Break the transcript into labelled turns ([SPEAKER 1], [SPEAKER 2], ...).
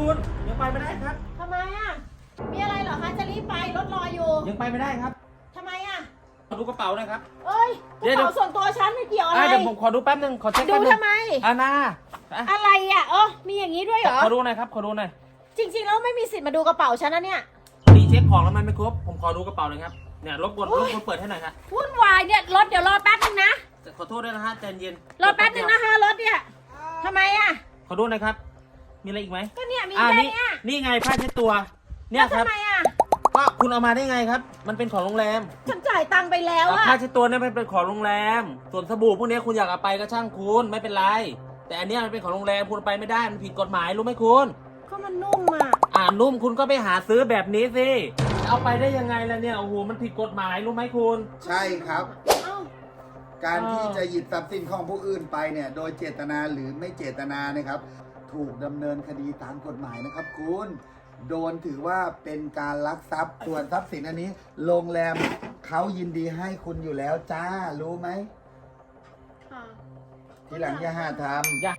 [SPEAKER 1] คุณยังไปไม่ได้ครับ
[SPEAKER 2] ทำไมอ่ะมีอะไรเหรอคะจะรีบไปรถรออยู่
[SPEAKER 1] ยังไปไม่ได้ครับ
[SPEAKER 2] ทำไมอ่ะ
[SPEAKER 1] ขอดูกระเป๋าหน่อยครับ
[SPEAKER 2] เอ้ยกระเป๋าส่วนตัวฉันไม่เกี่ยวอะไร
[SPEAKER 1] เดี๋ยวผมขอดูแป๊บนึงขอเช็ค
[SPEAKER 2] ดู
[SPEAKER 1] แป๊บนึง
[SPEAKER 2] ทำไม
[SPEAKER 1] นา
[SPEAKER 2] อะไรอ่ะมีอย่างนี้ด้วยเหรอ
[SPEAKER 1] ขอดูหน่อยครับขอดูหน่อย
[SPEAKER 2] จริงๆแล้วไม่มีสิทธิ์มาดูกระเป๋าฉันนะเนี่ย
[SPEAKER 1] ดีเช็คของแล้วมันไม่ครบผมขอดูกระเป๋าหน่อยครับเนี่ยรบกวนเปิดให้หน่อยครับ
[SPEAKER 2] วุ่นวายเนี่ยรถเดี๋ยวรอแป๊บนึงนะ
[SPEAKER 1] ขอโทษด้วยนะฮะใจเย็น
[SPEAKER 2] รอแป๊บนึงนะคะรถเนี่ยทำไมอ่ะ
[SPEAKER 1] ขอดูหน่อยครับมีอะไรอีกไหม
[SPEAKER 2] ก็เนี่ยมีแค่เนี้ย
[SPEAKER 1] นี่ไงผ้าเช็ดตัวเนี่ยครับ
[SPEAKER 2] ทำไมอ่ะ
[SPEAKER 1] ก็คุณเอามาได้ไงครับ มันเป็นของโรงแรม
[SPEAKER 2] ฉันจ่ายตังค์ไปแล้วอ่ะ
[SPEAKER 1] ผ้าเช็ดตัวเนี่ยมันเป็นของโรงแรม ส่วนสบู่พวกนี้คุณอยากเอาไปก็ช่างคุณไม่เป็นไร แต่อันเนี้ยมันเป็นของโรงแรมคุณเอาไปไม่ได้มันผิดกฎหมายรู้ไหมคุณ
[SPEAKER 2] ก็มันนุ่มอ่ะ
[SPEAKER 1] นุ่มคุณก็ไปหาซื้อแบบนี้สิเอาไปได้ยังไงล่ะเนี่ยโอ้โหมันผิดกฎหมายรู้ไหมคุณ
[SPEAKER 3] ใช่ครับ
[SPEAKER 2] เอ้า
[SPEAKER 3] การที่จะหยิบทรัพย์สินของผู้อื่นไปเนี่ยโดยเจตนาหรือไม่เจตนานะครับ ถูกดำเนินคดีตามกฎหมายนะครับคุณโดนถือว่าเป็นการลักทรัพย์ส่วนทรัพย์สินอันนี้โรงแรมเขายินดีให้คุณอยู่แล้วจ้ารู้ไหม
[SPEAKER 2] ค่ะ
[SPEAKER 3] ทีหลังอย่าหาทำ